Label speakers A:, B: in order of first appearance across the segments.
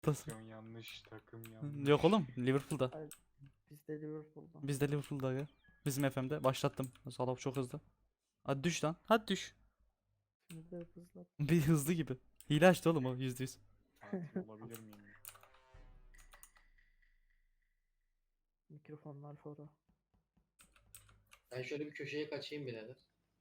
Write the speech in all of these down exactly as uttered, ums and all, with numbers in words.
A: Tas-
B: Takım yanlış, takım yanlış.
A: Yok oğlum, Liverpool'da.
C: Hayır, biz de Liverpool'dan.
A: Biz de Liverpool'da ya. Bizim F M'de başlattım. Salah çok hızlı. Hadi düş lan. Hadi düş.
C: Şimdi de hızlı.
A: Bir hızlı gibi. Hile açtı oğlum o yüzde yüz.
B: Katil olabilir miyim?
C: Mikrofonlar fora.
D: Ben şöyle bir köşeye kaçayım birader.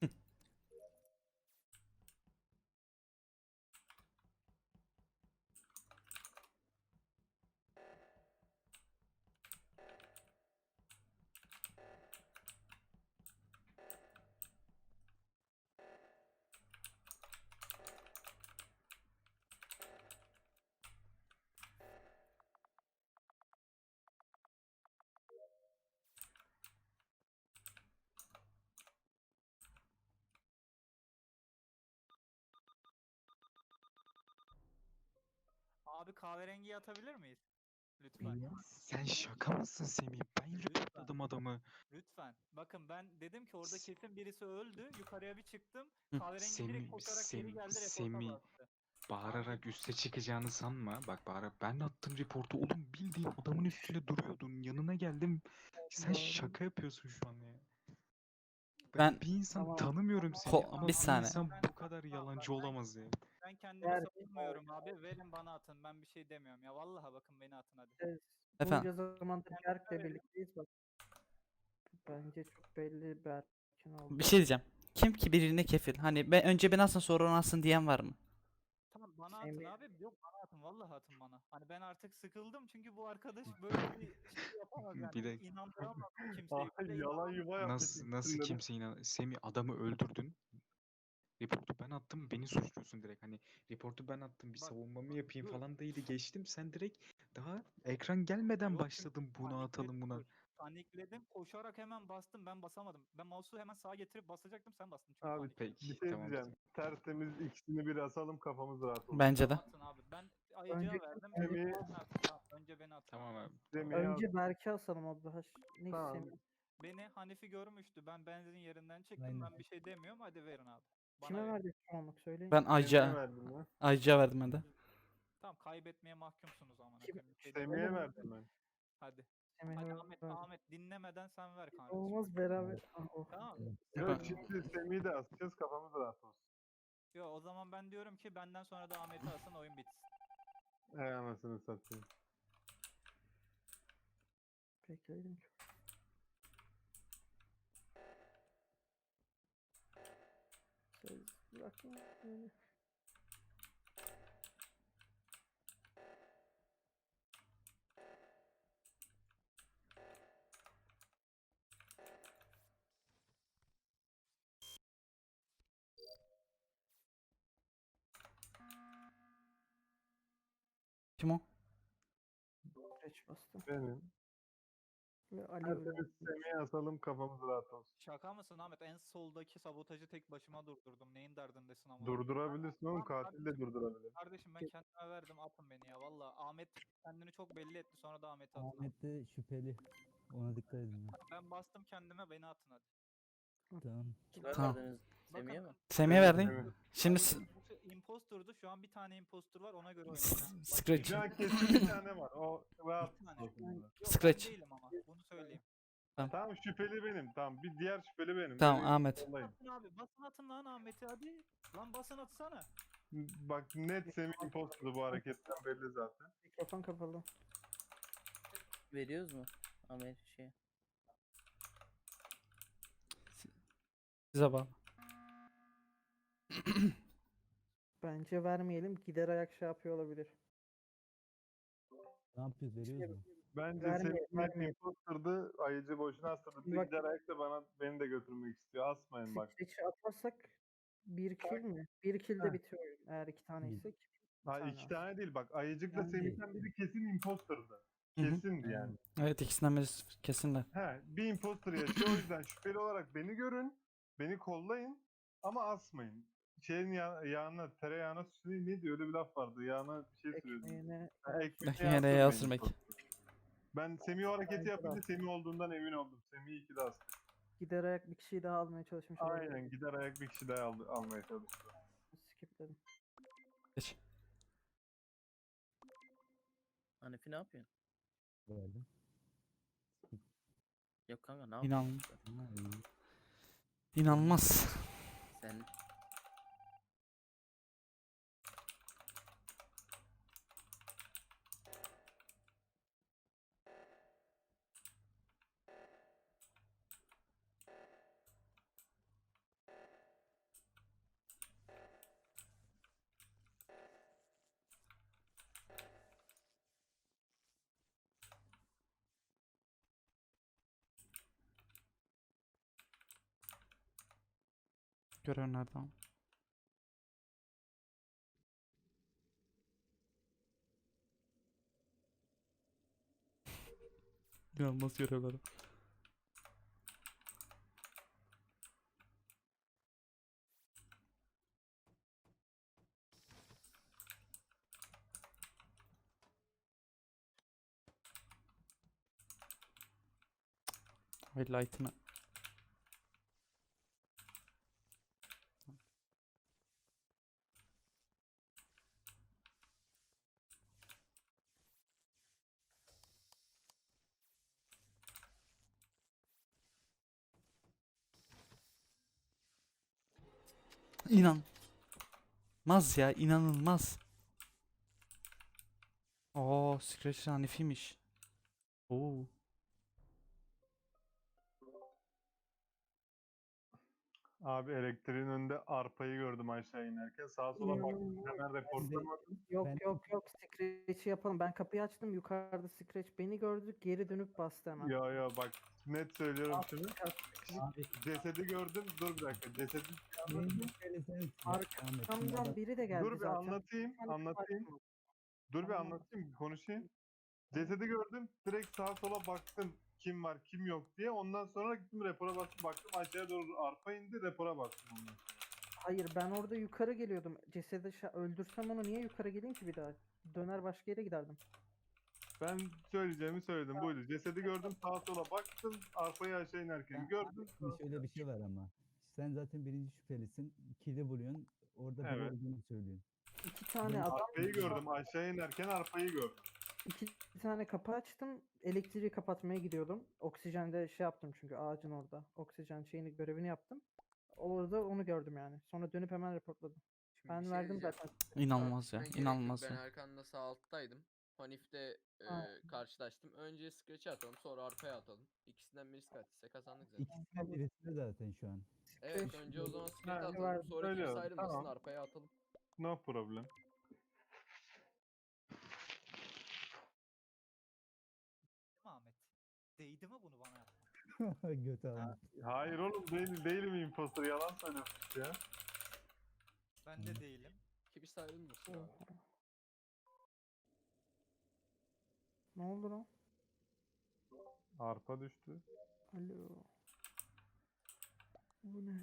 E: Abi kahverengiyi atabilir miyiz? Lütfen.
B: Sen şaka mısın Semih? Ben reportladım adamı.
E: Lütfen. Bakın ben dedim ki orada kesin birisi öldü. Yukarıya bir çıktım.
A: Hı.
E: Kahverengi
B: Semih,
E: direkt koşarak geri
B: Sem,
E: geldi. Reporta
B: Semih.
E: bastı.
B: Bağırarak üste çıkacağını sanma. Bak bağırarak ben attım reportu. Oğlum bildiğin adamın üstüne duruyordun. Yanına geldim. Sen şaka yapıyorsun şu an ya. Ben,
A: Ben-
B: bir insan
C: Tamam.
B: tanımıyorum seni
A: Ko-
B: ama
A: bir
B: bir
A: saniye.
B: insan bu kadar yalancı olamaz ya.
E: Ben kendimi
C: Ver-
E: savunmuyorum abi. Verin bana atın. Ben bir şey demiyorum ya. Vallahi bakın beni atın hadi.
C: Evet,
A: Efendim?
C: bunca zamandır
E: Yani
C: Berk'le
E: verin.
C: birlikteyiz bak. Bence çok belli Berk'in oldu.
A: Bir şey diyeceğim. Kim ki birine kefil? Hani ben önce ben alsın sonra onu alsın diyen var mı?
E: Tamam bana atın
C: Semih-
E: abi. Yok bana atın. Vallahi atın bana. Hani ben artık sıkıldım çünkü bu arkadaş böyle bir şey yapamaz yani.
B: Bir de-
E: İnandıramaz kimseyi. Bir de
F: yalan
E: inanamaz.
F: yuva yapmış.
B: Nasıl nasıl
F: ikisinde de.
B: kimse inan Semih adamı öldürdün. Reportu ben attım beni suçluyorsun direkt hani reportu ben attım bir
E: Bak,
B: savunmamı yapayım
E: dur.
B: falan değildi geçtim sen direkt daha ekran gelmeden
E: Yok,
B: başladın buna
E: panikledim,
B: atalım buna.
E: dur. Panikledim. Koşarak hemen bastım. Ben basamadım. Ben mouse'u hemen sağa getirip basacaktım. Sen bastın çünkü
F: Abi
E: panikledim.
B: Peki
F: bir şey
B: tamam.
F: diyeceğim. Tertemiz ikisini bir asalım kafamız rahat olsun.
A: Bence de.
E: Atın abi. Ben ayıcıya
C: Önceki
E: verdim.
F: Semih-
E: Beni atın. Tamam, önce beni atın.
B: Tamam abi.
F: Semih'i al.
C: Önce Berk'i asalım o daha. Neyse
F: Tamam.
C: Semih.
E: Beni Hanifi görmüştü. Ben benzin yerinden çıktım.
G: Aynen.
E: Ben bir şey demiyorum. Hadi verin abi. Bana
C: Kime
E: verin.
C: verdik çoğunluk söyleyin.
A: Ben
F: Semih'e
A: Ayca
F: verdim ben.
A: Ayca verdim ben de.
E: Tamam kaybetmeye mahkumsunuz ama.
C: Kim-
F: Semih'e
C: Oğlum,
F: verdim ben.
E: Hadi.
C: Semih'e
E: Hadi Ahmet,
C: verdik.
E: Ahmet dinlemeden sen ver kardeşim.
C: Olmaz beraber. Ah, oh.
E: Tamam.
F: Yok şimdi Semih'i de asacağız kafamız rahat olsun.
E: Yo o zaman ben diyorum ki benden sonra da Ahmet'i alsın oyun bitsin.
F: Ey anasını satayım.
C: Bekleyelim çok. Söz bırakma beni.
A: Kim o?
C: Geç bastım.
F: Benim.
C: Ve Ali
F: Tertemiz Semih'i asalım kafamız rahat olsun.
E: Şaka mısın Ahmet? En soldaki sabotajı tek başıma durdurdum. Neyin derdindesin ama?
F: Durdurabilirsin oğlum
E: Tamam,
F: katil de durdurabilir.
E: Kardeşim ben kendime verdim atın beni ya valla. Ahmet kendini çok belli etti sonra da Ahmet'i atın. abi.
G: Ahmet de şüpheli. Ona dikkat edin. ya.
E: Ben bastım kendime beni atın hadi.
G: Tamam.
H: Kime
A: Tamam.
H: verdiniz? Semih'e mi?
A: Semih'e
F: Semih,
A: verdin.
F: Semih.
A: Şimdi
E: Hayır,
A: s-
E: çünkü impostordu. Şu an bir tane impostor var ona göre
A: s-
E: oynayacağım. Başka
A: Scratch.
F: Şu an kesin bir tane var. O rahat
E: Bir tane.
F: olsun.
E: Yok,
A: Scratch.
E: ben değilim ama bunu söyleyeyim.
F: Tamam şüpheli benim. Tamam bir diğer şüpheli benim.
A: Tamam,
F: Beni
A: Ahmet.
F: yollayın.
E: Atın abi basın atın lan Ahmet'i hadi. Lan basın atsana.
F: Bak net Semih imposter'dı bu hareketten belli zaten.
C: Mikrofon kapalı.
H: Veriyoruz mu? Amer şey.
A: Size bağlı.
C: Bence vermeyelim. Gider ayak şey yapıyor olabilir.
G: Ne yapıyoruz? Veriyoruz mu?
F: Bence
C: Verme-
F: Semih
C: verme.
F: imposter'dı. Ayıcı boşuna astırdı. Bir
C: Bak-
F: gider ayak da bana, beni de götürmek istiyor. Asmayın bak.
C: Scratch'i atarsak bir kill mi? Bir kill
F: Heh.
C: de bitiyor oyun. Eğer iki tane
G: Bir-
C: ise bir
F: Ha
C: tane
F: iki
C: az.
F: tane değil bak. Ayıcıkla
C: Yani-
F: Semih'ten biri kesin imposter'dı.
A: Hı hı.
F: Kesindi yani.
A: Evet, ikisinden birisi kesinler.
F: He, bir imposter yaşıyor o yüzden şüpheli olarak beni görün. Beni kollayın ama asmayın. Şeyin ya, yağına, tereyağına süreyim ne diyor öyle bir laf vardı. Yağına bir şey sürüyordu.
C: Ekmeğine
F: Ha, ekmeğine
A: Ekmeğine
F: yağ
A: yağ
F: sürmeyin
A: sürmek.
F: imposter. Ben Semih o hareketi
C: Bence de
F: yapınca
C: asmayın.
F: Semih olduğundan emin oldum. Semih iki de astı.
C: gider ayak bir kişiyi daha almaya çalışmış olabilir.
F: Aynen gider ayak bir kişi daha aldı, almaya çalıştı.
C: Skipledim.
A: Geç.
H: Hanifi ne yapıyorsun?
G: Verdim.
H: Yok kanka ne
A: İnan
H: yapıyorsun?
G: Ha, iyi.
A: inanılmaz.
H: Sen
A: Görev nerede ama? İnanılmaz görevler. Highlight'ını. İnanılmaz ya, inanılmaz. Oo, Scratch Hanifiymiş. Oo.
F: Abi elektriğin önünde arpayı gördüm aşağı inerken. Sağa sola baktım.
C: İnanılmaz.
F: Hemen reportlamadım.
C: Yok
G: Ben-
C: yok yok Scratch'i yapalım. Ben kapıyı açtım. Yukarıda Scratch beni gördü. Geri dönüp bastı hemen.
F: Ya ya bak net söylüyorum şunu.
G: Abi
F: Cesedi gördüm. Dur bir dakika. Cesedi
G: birinci şüpheli sensin. Ahmet, şimdi
C: Arkamdan
G: adam-
C: biri de geldi
F: dur bir
C: zaten.
F: anlatayım.
C: tane
F: Anlatayım.
C: kapı
F: Dur bir
C: Tamam.
F: anlatayım. Konuşayım. Cesedi gördüm. Direkt sağa sola baktım. Kim var kim yok diye. Ondan sonra gittim rapora bastım. Baktım aşağıya doğru arpa indi. Rapora bastım ondan sonra.
C: Hayır ben orada yukarı geliyordum. Cesedi şa- öldürsem onu niye yukarı geleyim ki bir daha? Döner başka yere giderdim.
F: Ben söyleyeceğimi söyledim. Buydu. Cesedi gördüm. Sağa sola baktım. Arpayı aşağı inerken
G: Ya
F: gördüm.
G: Şimdi şöyle bir şey var ama. Sen zaten birinci şüphelisin. Kili buluyorsun. Orada biri
F: Evet.
G: olduğunu söylüyorsun.
C: İki tane
G: Ben-
C: adam
F: Arpayı gördüm. Aşağı inerken arpayı gördüm.
C: iki tane kapı açtım. Elektriği kapatmaya gidiyordum. Oksijende şey yaptım çünkü ağacın orada. Oksijen şeyini görevini yaptım. Orada onu gördüm yani. Sonra dönüp hemen reportladım.
I: Şimdi bir
C: Ben
I: şey
C: verdim
I: diyeceğim.
C: zaten.
A: İnanılmaz ya,
I: Tartışmaya gerek yok.
A: inanılmaz
I: Ben
A: ya.
I: arkanda sağ alttaydım. Hanif'te e,
C: Aynen.
I: karşılaştım. Önce Scratch'e atalım, sonra arkaya atalım. İkisinden birisi kaçtıysa kazandık zaten.
G: İkisinden birisi de zaten şu an.
I: Evet,
C: Scratch
I: önce o zaman Scratch'e
F: Ha,
I: atalım,
C: verdim,
I: sonra kimse
F: söylüyorum,
I: ayrılmasın,
F: tamam.
I: arkaya atalım.
F: No problem.
E: Değil mi Ahmet? Değdi mi bunu bana yapmak?
G: Götü Ahmet.
F: Hayır oğlum değil, değilim imposter. Yalan söylüyorsun ya.
E: Ben de değilim.
I: Kimse ayrılmasın abi.
C: Ne oldu lan?
F: Arpa düştü.
C: Alo. Bu ne?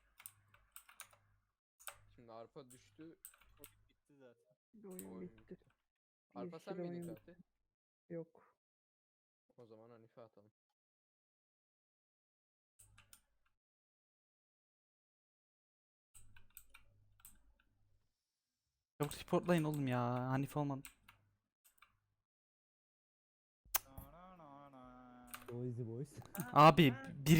I: Şimdi arpa düştü.
E: Bitti zaten.
C: Oyun
I: Oyun
C: bitti.
I: bitti. Arpa sen
C: Yeşil
I: miydin
C: oyun
I: Fatih?
C: Yok.
I: O zaman Hanife atalım.
A: Yok, reportlayın oğlum ya. Hanife olmadı.
E: Na na na na.
G: Boysy boys.
A: Abi bir